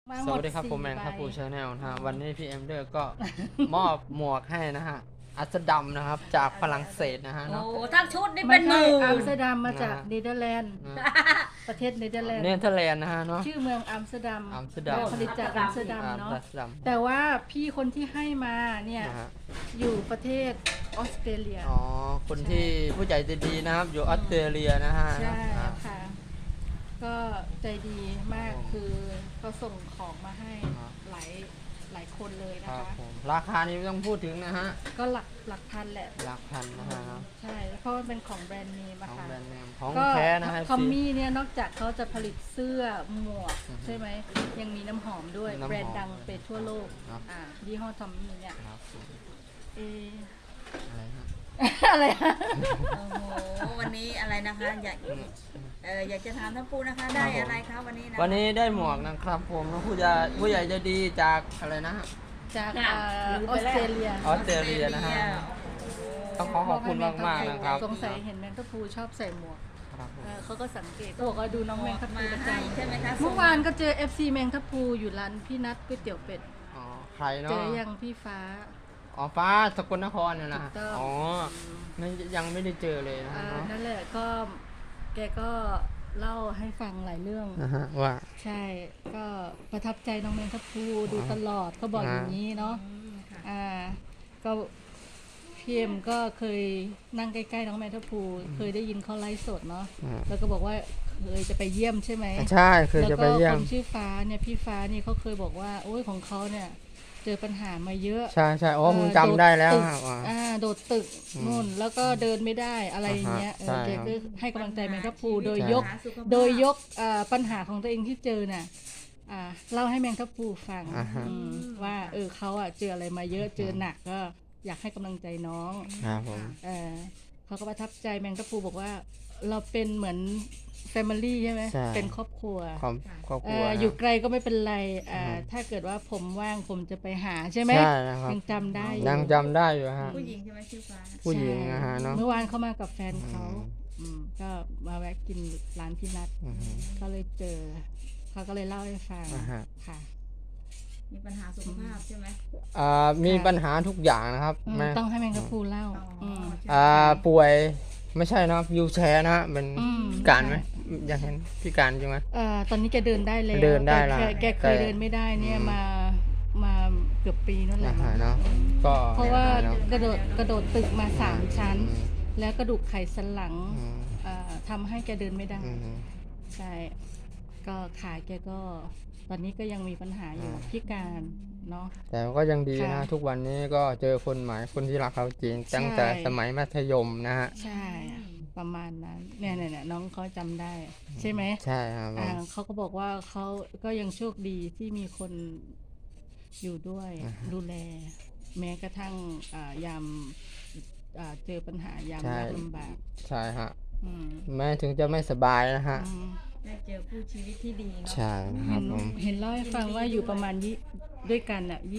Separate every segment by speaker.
Speaker 1: สวัสดีครับผมแมงครับปูชาแนลนะฮะวันนี้พี่เอ็มเดอร์ก็ มอบหมวกให้นะฮะอัสดัมนะครับจากฝรั่งเศสนะฮะ
Speaker 2: โอ้
Speaker 1: เนาะ
Speaker 2: ทั้งชุดนี่
Speaker 3: ไม่
Speaker 2: เป็นห
Speaker 3: ใช่
Speaker 2: มื่น
Speaker 3: อัมสเตอร์ดัมมาจาก
Speaker 1: นะ
Speaker 3: เนเธอร์แลนด์
Speaker 1: นะ
Speaker 3: ประเทศเนเธอร์แลนด์
Speaker 1: เนเธอร์แลนด์นะฮะเนาะ
Speaker 3: ชื่อเมืองอัมสเตอร์ดัม
Speaker 1: อัมสเตอร์ดัม
Speaker 3: ผลิตจากอัมสเตอร์ดัม
Speaker 1: อัม
Speaker 3: เนาะ
Speaker 1: สเตอร์ดัม
Speaker 3: แต่ว่าพี่คนที่ให้มาเนี่ย
Speaker 1: นะฮะ
Speaker 3: อยู่ประเทศออสเตรเลีย
Speaker 1: อ๋อคนที่ผู้ใจดีนะครับอยู่ออสเตรเลียนะฮะ
Speaker 3: ใช่
Speaker 1: อ่า
Speaker 3: ค่ะ ก็ใจดีมากคือเขาส่งของมาให้
Speaker 1: ครับ
Speaker 3: หลายคนเลย
Speaker 1: ค
Speaker 3: นะ
Speaker 1: รับ
Speaker 3: คะ
Speaker 1: ผมราคานี้ไม่ต้องพูดถึงนะฮะ
Speaker 3: ก็หลักพันแหละ
Speaker 1: หลักพันนะฮะเนาะ
Speaker 3: ใช่เพราะมันเป็นของแบรนด์เนม
Speaker 1: ข
Speaker 3: อะ
Speaker 1: อง
Speaker 3: ค่ะ
Speaker 1: แบรนด์เนมของ
Speaker 3: ก็
Speaker 1: แท้นะฮะ
Speaker 3: ทอมมี่เนี่ยนอกจากเขาจะผลิตเสื้อหมวก
Speaker 1: อือฮึ
Speaker 3: ใช่ไหมยังมีน้ำหอมด้วย
Speaker 1: น้ำหอม
Speaker 3: แบรนด์ดังไปทั่วโลก
Speaker 1: ครับ
Speaker 3: ยี่ห้อทอมมี่เนี่ย
Speaker 1: ครับผม
Speaker 3: เอ
Speaker 1: อะไรฮะ
Speaker 3: อะไรอะ
Speaker 2: โอ้โหวันนี้อะไรนะคะอยากจะถามท่านปูนะคะได้อะไรคะวันนี้นะ
Speaker 1: วันนี้ได้หมวกนะครับผมผู้ใหญ่ใจะดีจากอะไรนะฮะ
Speaker 3: จาก
Speaker 2: ค่ะ
Speaker 3: ออสเตรเลีย
Speaker 1: ออสเตรเลียนะฮะ ต้องขอบคุณมากๆนะครับ
Speaker 3: สงสัยเห็นแมงทัพพูชอบใส่หมวก
Speaker 1: ครับผม
Speaker 3: เขาก็สังเกตเขาบอกว่าดูน้องแมงทัพพู
Speaker 2: มา
Speaker 3: ประจ
Speaker 2: ให้ใช่ไหมคะ
Speaker 3: ำเมื่อวานก็เจอ FC แมงทัพพูอยู่ร้านพี่นัทก๋วยเตี๋ยวเป็ด
Speaker 1: อ๋อใคร
Speaker 3: เจ
Speaker 1: เนาะ
Speaker 3: อยังพี่ฟ้า
Speaker 1: อ๋อฟ้าสกลนครเนี่ยนะ
Speaker 3: ถูกต้อง
Speaker 1: อ๋อไม่ยังไม่ได้เจอเลยนะฮะเนาะ
Speaker 3: นั่นแหละก็แกก็เล่าให้ฟังหลายเรื่อง
Speaker 1: นะฮะว่า
Speaker 3: ใช่ก็ประทับใจน้องแมงทัพพูดูตลอดเขาบอกอย่างนี้เนาะ
Speaker 2: ค่ะ
Speaker 3: ก็พี่เอ็มก็เคยนั่งใกล้ๆน้องแมงทัพพูเคยได้ยินเขาไลฟ์สดเนาะ
Speaker 1: อ่า
Speaker 3: แล้วก็บอกว่าเคยจะไปเยี่ยมใช่ไหม
Speaker 1: ใช่คือจะไปเยี่ย
Speaker 3: แล้ว
Speaker 1: ม
Speaker 3: ก็คนชื่อฟ้าเนี่ยพี่ฟ้านี่เขาเคยบอกว่าโอ้ยของเขาเนี่ยเจอปัญหามาเยอะ
Speaker 1: ใช่ใช่อ๋อผมจำได้แล้วครับว่า
Speaker 3: โดดตึก
Speaker 1: อืม
Speaker 3: นู่นแล้วก็เดินไม่ได้อะไรอย่างเงี้ย
Speaker 1: ใช่
Speaker 3: แก
Speaker 1: ครับ
Speaker 3: ก็ให้กำลังใจแมงทัพพูโดย
Speaker 1: ใช่
Speaker 3: ยก
Speaker 2: สุขภาพ
Speaker 3: ปัญหาของตัวเองที่เจอน่ะเล่าให้แมงทัพพูฟัง
Speaker 1: อ่าฮะ
Speaker 3: ว่าเขาเจออะไรมาเยอะเจอหนักก็อยากให้กำลังใจน้อง
Speaker 1: ครับผม
Speaker 3: เขาก็ประทับใจแมงทัพพูบอกว่าเราเป็นเหมือนแฟมิลี่ใช่ไหม
Speaker 1: ใช่
Speaker 3: เป็นครอบครัว
Speaker 1: ครอบครัวนะ
Speaker 3: อยู่ไกลก็ไม่เป็นไร
Speaker 1: อืม
Speaker 3: ถ้าเกิดว่าผมว่างผมจะไปหาใช่ไหม
Speaker 1: ใช่นะครับ
Speaker 3: ยังจำได้อยู่
Speaker 1: ยังจำได้อยู่ฮะ
Speaker 2: ผู้หญิงใช่ไหมชื่อฟ้า
Speaker 1: ผู้หญิงนะฮะเนาะ
Speaker 3: เมื่อวานเขามากับแฟนเขา
Speaker 1: อืม
Speaker 3: ก็มาแวะกินร้านพี่นัท
Speaker 1: อืม
Speaker 3: ก็เลยเจอเขาก็เลยเล่าให้ฟัง
Speaker 1: อ่าฮะ
Speaker 3: ค่ะ
Speaker 2: มีปัญหาสุขภาพใช่ไหม
Speaker 1: มีปัญหาทุกอย่างนะครับแม่
Speaker 3: ต้องให้แมงกะพรูเล่า
Speaker 2: อ๋อ
Speaker 1: ป่วยไม่ใช่นะครับวิวแชร์นะฮะเป็น
Speaker 3: ม
Speaker 1: พิการไหมอยากเห็นพิการจริงไหม
Speaker 3: ตอนนี้แกเดินได้แล้ว
Speaker 1: เดินได้ละ
Speaker 3: แกเคย
Speaker 1: แต่
Speaker 3: เดินไม่ได้เนี่ย
Speaker 1: อืม
Speaker 3: มาเกือบปีนั่นแหละ
Speaker 1: นะฮะเนาะก็
Speaker 3: เพราะว่า
Speaker 1: เนาะ
Speaker 3: กระโดดตึกมา3 ชั้น
Speaker 1: อืม
Speaker 3: แล้วกระดูกไขสันหลัง
Speaker 1: อืม
Speaker 3: ทำให้แกเดินไม่ได้
Speaker 1: อืม
Speaker 3: ใช่ ก็ขาแกก็ ตอนนี้ก็ยังมีปัญหาอยู่
Speaker 1: อ่า
Speaker 3: พิการเนาะ
Speaker 1: แต่ก็ยังดีนะ
Speaker 3: ค่ะ
Speaker 1: ทุกวันนี้ก็เจอคนใหม่คนที่รักเขาจริงตั้งแต่
Speaker 3: ใช่
Speaker 1: สมัยมัธยมนะฮะ
Speaker 3: ใช่ ประมาณนั้น เนี่ยน้องเขาจำได้ ใช่ไหม
Speaker 1: ใช่ครับผม
Speaker 3: เขาก็บอกว่าเขาก็ยังโชคดีที่มีคนอยู่ด้วย
Speaker 1: อ่าฮะ
Speaker 3: ดูแล แม้กระทั่งยามเจอปัญหายาม
Speaker 1: ใช่
Speaker 3: ยากลำบาก
Speaker 1: ใช่ฮะ
Speaker 3: อืม
Speaker 1: แม้ถึงจะไม่สบายนะฮะ
Speaker 3: อืม
Speaker 2: ได้เจอคู่ชีวิตที่ดีเนาะ
Speaker 1: ใช่นะครับผม
Speaker 3: เห็นเล่าให้ฟังว่าอยู่ประมาณด้วยกัน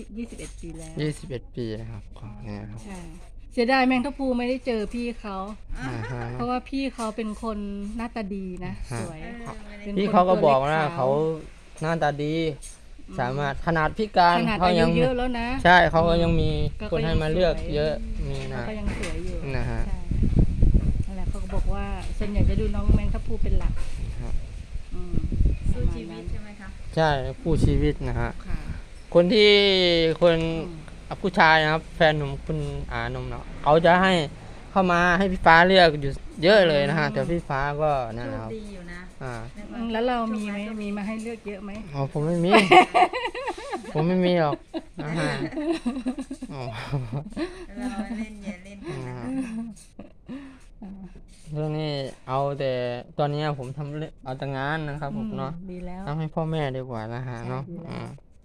Speaker 3: 21 ปีแล้ว
Speaker 1: 21 ปีนะครับของเนี่ยครับ
Speaker 3: ใช่ เสียดายแมงทัพพูไม่ได้เจอพี่เขา
Speaker 1: อ่าฮะ
Speaker 3: เพราะว่าพี่เขาเป็นคนหน้าตาดีนะ
Speaker 1: ฮะ
Speaker 3: สวย
Speaker 2: ไม่ได้
Speaker 3: เป็น
Speaker 1: พี่เขาก็บอก
Speaker 3: ตัว
Speaker 1: นะ
Speaker 3: เล็กขาว
Speaker 1: เขาหน้าตาดี สามารถขนาดพิการ
Speaker 3: ขนาด
Speaker 1: เขา
Speaker 3: อา
Speaker 1: ยั
Speaker 3: ยุเยอะแล้วนะ
Speaker 1: ใช่เขาก็ยังมี
Speaker 3: ก็
Speaker 1: คนให้
Speaker 3: ยัง
Speaker 1: มาเลือก
Speaker 3: สวย
Speaker 1: เยอะมี
Speaker 3: เขา
Speaker 1: นะ
Speaker 3: ก็ยังสวยอยู่
Speaker 1: นะฮะ
Speaker 3: ใช่นั่นแหละเขาก็บอกว่าส่วนใหญ่จะดูน้องแมงทัพพูเป็นหลัก
Speaker 1: ครับ
Speaker 3: อืม
Speaker 2: สู้ชีวิตใช่ไหมคะ
Speaker 1: ใช่คู่ชีวิตนะฮะ
Speaker 3: ค่ะ
Speaker 1: คนที่คน
Speaker 3: อืม
Speaker 1: ผู้ชายนะครับ แฟนหนุ่มคุณหนุ่มเนาะเขาจะให้เข้ามาให้พี่ฟ้าเลือกอยู่เยอะเลยนะฮะ แต่พี่ฟ้าก็นั่น
Speaker 2: โช
Speaker 1: นะ
Speaker 2: ค
Speaker 1: ครับ
Speaker 2: ดีอยู่นะ
Speaker 1: อ่า
Speaker 2: ในความ
Speaker 3: แล้วเรามีไหมมีมาให้เลือกเยอะไหม
Speaker 1: อ๋อผมไม่มี ผมไม่มีหรอกนะฮะอ๋อ
Speaker 2: เราเล่นอย่าเล่นกันนะ
Speaker 1: เรื่องนี้เอาแต่ตอนนี้ผมทำเรื่องเอาแต่งานนะครับผมเนาะ
Speaker 3: ดีแล้ว
Speaker 1: ทำให้พ่อแม่ดีกว่านะฮะเนาะ
Speaker 3: ใช่ดีแล้ว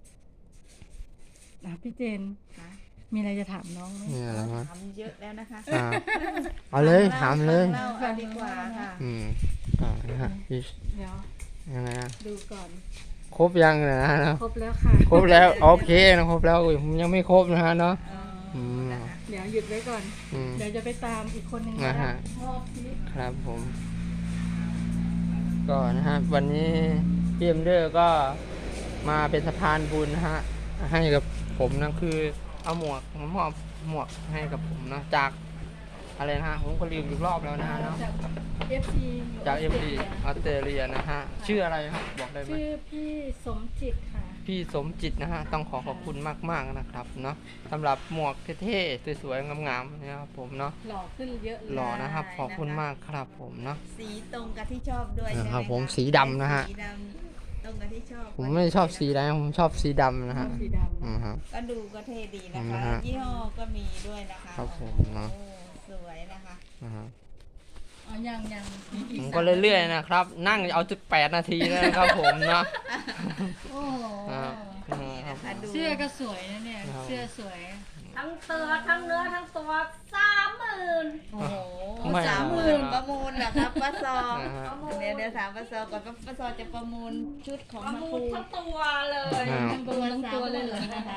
Speaker 3: พี่เจน
Speaker 2: ค่ะ
Speaker 3: มีอะไรจะถามน้องไหม
Speaker 1: นี่อะไรวะ
Speaker 2: ถามเยอะแล้วนะคะ
Speaker 1: อ่าเอาเลยถามเลย
Speaker 2: เล่าเอาดีกว่าค่ะ
Speaker 1: นะฮะพี่
Speaker 3: เดี๋ยว
Speaker 1: ยังไงอะ
Speaker 3: ดูก่อน
Speaker 1: ครบยังนะฮะเนาะ
Speaker 3: ครบแล้วค่ะ
Speaker 1: ครบแล้วโอเคนะครบแล้วผมยังไม่ครบนะฮะเนาะ อืม
Speaker 2: นะคะ
Speaker 3: เดี๋ยวหยุดไว้ก่อน
Speaker 1: อืม
Speaker 3: เดี๋ยวจะไปตามอีกคนหนึ่ง
Speaker 1: นะฮะ
Speaker 3: ชอบที่
Speaker 1: ครับผม ก็นะฮะวันนี้พี่เอ็มเดอร์ก็มาเป็นสะพานบุญนะฮะให้กับผมนะคือเอาหมวกมามอบหมวกให้กับผมนะจากอะไรนะฮะผมก็ลืมอีกรอบแล้วนะฮะเนาะ
Speaker 3: จาก FC
Speaker 1: จาก FD ออสเตรเลียนะฮะชื่ออะไรครับบอกได้ไหม
Speaker 3: ชื่อพี่สมจิตค่ะ
Speaker 1: พี่สมจิตนะฮะต้องขอบคุณมากๆนะครับเนาะสำหรับหมวกเท่ๆสวยๆงามๆนะครับผมเนาะ
Speaker 3: หล่อขึ้นเยอะเลย
Speaker 1: หล่อนะครับขอบคุณมากครับผมเนาะ
Speaker 2: สีตรงกับที่ชอบด้วยใช่ไหม
Speaker 1: ครับผม
Speaker 2: ะ
Speaker 1: สีดำนะฮะ
Speaker 2: สีดำตรงกับที่ชอบ
Speaker 1: ผมไม่ชอบสีแดงผมชอบสีดำนะฮะ
Speaker 3: สีดำ
Speaker 1: ครับ
Speaker 2: ก็ดูก็เท่ดีนะ
Speaker 1: นะ
Speaker 2: คะ
Speaker 1: ฮะ
Speaker 2: ยี่ห้อก็มีด้วยนะคะ
Speaker 1: ครับผมเนาะ
Speaker 2: โอ้สวยนะคะ
Speaker 1: นะฮะ
Speaker 3: อ๋อยังมีอี
Speaker 1: ผ
Speaker 3: ก
Speaker 1: มก็เรื่อยๆนะครับ นั่งเอา18 นาทีแล้วนะครับผมเนาะ
Speaker 3: โอ้โห
Speaker 1: ครับ
Speaker 2: นี่นะคะดู
Speaker 3: เสื้อก็สวยนะเนี่ย
Speaker 1: ครับ
Speaker 3: เสื้อสวย
Speaker 4: ทั้งเตือทั้งเนื้อทั้งตัว30,000
Speaker 2: โอ้โห
Speaker 1: ไม่
Speaker 2: 30,000ประมูลเหรอครับป้าซอ
Speaker 1: นะฮะ
Speaker 2: เดี๋ยวถามป้าซอก่อนป้าซอจะประมูลชุดของ
Speaker 4: ประ
Speaker 2: มา
Speaker 4: มู
Speaker 2: คู
Speaker 4: ลทั้งตัวเลย
Speaker 1: ครับ
Speaker 3: ทั้งตัวทั้งตัวเลยเหรอ
Speaker 2: นะคะ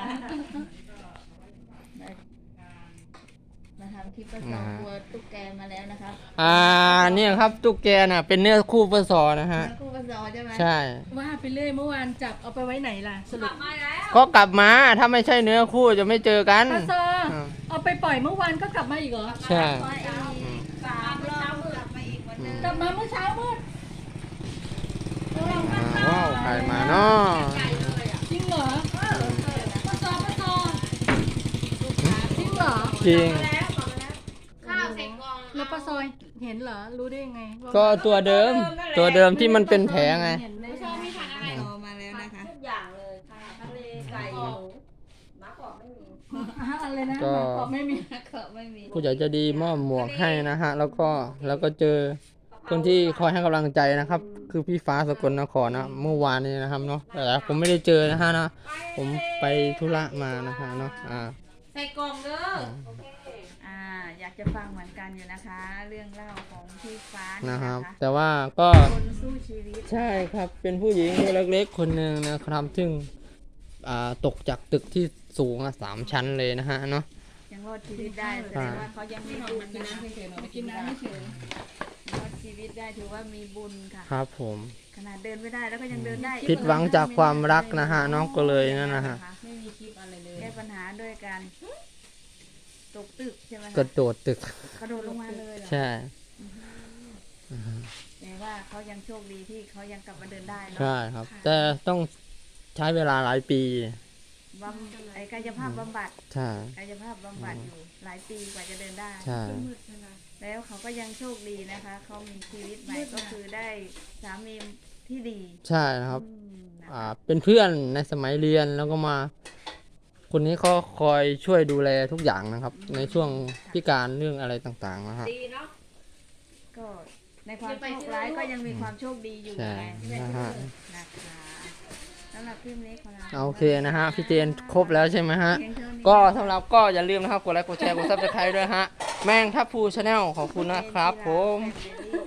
Speaker 2: มาทำคลิปป้าซอกลัวตุ๊กแกมาแล้วนะคะ
Speaker 1: เนี่ยครับตุ๊กแกน่ะเป็นเนื้อคู่ปสอนะฮะ
Speaker 2: มาคู่ป้าซอใช่ไหม
Speaker 1: ใช่
Speaker 3: ว่าไปเรื่อยเมื่อวานจับเอาไปไว้ไหนล่ะสรุป
Speaker 4: มาแล้ว
Speaker 1: ก็กลับมาถ้าไม่ใช่เนื้อคู่จะไม่เจอกัน
Speaker 3: ปาซอ
Speaker 1: ครับ
Speaker 3: เอาไปปล่อยเมื่อวานก็กลับมาอีกเหรอ
Speaker 1: ใช่
Speaker 2: มาอีก3 รอบกลับมาอีกวันเดิม
Speaker 3: กลับมาเมื่อเช้ามืด
Speaker 1: ว้าวใครมาเนาะ
Speaker 3: จริงเหรอปาซอจริงเหรอ
Speaker 1: จริง
Speaker 4: ข้าวเสร็จกอง
Speaker 3: แล้วปาซอยเห็นเหรอรู้ได้ยังไงว่า
Speaker 1: ก็ตัวเดิมที่มันเป็นแผลไง
Speaker 3: เห็นได้
Speaker 4: ไม่ชอบมีทานอะไร
Speaker 2: รอมาแล้วนะคะ
Speaker 4: ทุกอย่างเลยค่ะทะเลไก่หมูหมาบอกไม่มี
Speaker 3: อะไรนะ
Speaker 1: ก็
Speaker 3: ตอบไม่มี
Speaker 2: ก็ไม่มี
Speaker 1: ผู้ใหญ่ใจะดีมอบหมวกให้นะฮะ แล้วก็เจอคนที่คอยให้กำลังใจนะครับ คือพี่ฟ้าสกลนครนะเมื่อวานนี้นะครับเนาะแต่ผมไม่ได้เจอนะฮะนะผมไปธุระมานะฮะเนาะ
Speaker 4: ใส่กล่องเด้อโอเค
Speaker 2: อยากจะฟังเหมือนกันอยู่นะคะ เรื่องเล่าของพี่ฟ้านี่
Speaker 1: นะครับ
Speaker 2: นะคะ
Speaker 1: แต่ว่าก็
Speaker 2: คนสู้ชีวิต
Speaker 1: ใช่ครับเป็นผู้หญิงตัวเล็กๆคนหนึ่งนะครับซึ่งตกจากตึกที่สูง3 ชั้นเลยนะฮะเนาะ
Speaker 2: ยังรอดชีวิตได้แสดงว่าเขายังมีบุญนะ
Speaker 3: ไปกินน้ำไม่เฉย
Speaker 2: รอดชีวิตได้ถือว่ามีบุญค่ะ
Speaker 1: ครับผม
Speaker 2: ขนาดเดินไม่ได้แล้วก็ยังเดินได้
Speaker 1: ผิดหวังจากความรักนะฮะน้องก็เลยนั่นนะฮะ
Speaker 3: ไม่มีคลิปอะไรเลย
Speaker 2: แก้ปัญหาด้วยการตกตึกใช่ไหม
Speaker 1: กระโดดตึก
Speaker 2: กระโดดลงมาเลยเหรอ
Speaker 1: ใช่
Speaker 2: แต่ว่าเขายังโชคดีที่เขายังกลับมาเดินได้เนาะ
Speaker 1: ใช่ครับ แต่ต้องใช้เวลาหลายปี
Speaker 2: ไอ้กายภาพบำบัด
Speaker 1: ใช่
Speaker 2: กายภาพบำบัดอยู่หลายปีกว่าจะเดินได้
Speaker 1: ใช่
Speaker 2: แล้วเขาก็ยังโชคดีนะคะ เขามีชีวิตใหม่ก็คือได้สามีที่ดี
Speaker 1: ใช่นะครับ
Speaker 2: นะคะ
Speaker 1: เป็นเพื่อนในสมัยเรียนแล้วก็มา คนนี้เขาคอยช่วยดูแลทุกอย่างนะครับ ในช่วงพิการเรื่องอะไรต่างๆนะฮะ
Speaker 4: ดีเนาะ
Speaker 2: ก็ในความโชคร้ายก็ยังมีความโชคดีอยู่
Speaker 1: ใช่
Speaker 2: ไง
Speaker 1: นะฮะ
Speaker 2: นะคะสำหรับคลิปนี้ของเรา
Speaker 1: โอเคนะฮะพี่เจนครบแล้วใช่ไหมฮะ
Speaker 2: เพียงเท่านี้
Speaker 1: ก็สำหรับก็อย่าลืมนะครับกดไลค์กดแชร์กดซับสไครต์ด้วยฮะแมงทับพูชาแนลขอบคุณนะครับผม
Speaker 2: แฟมิลี่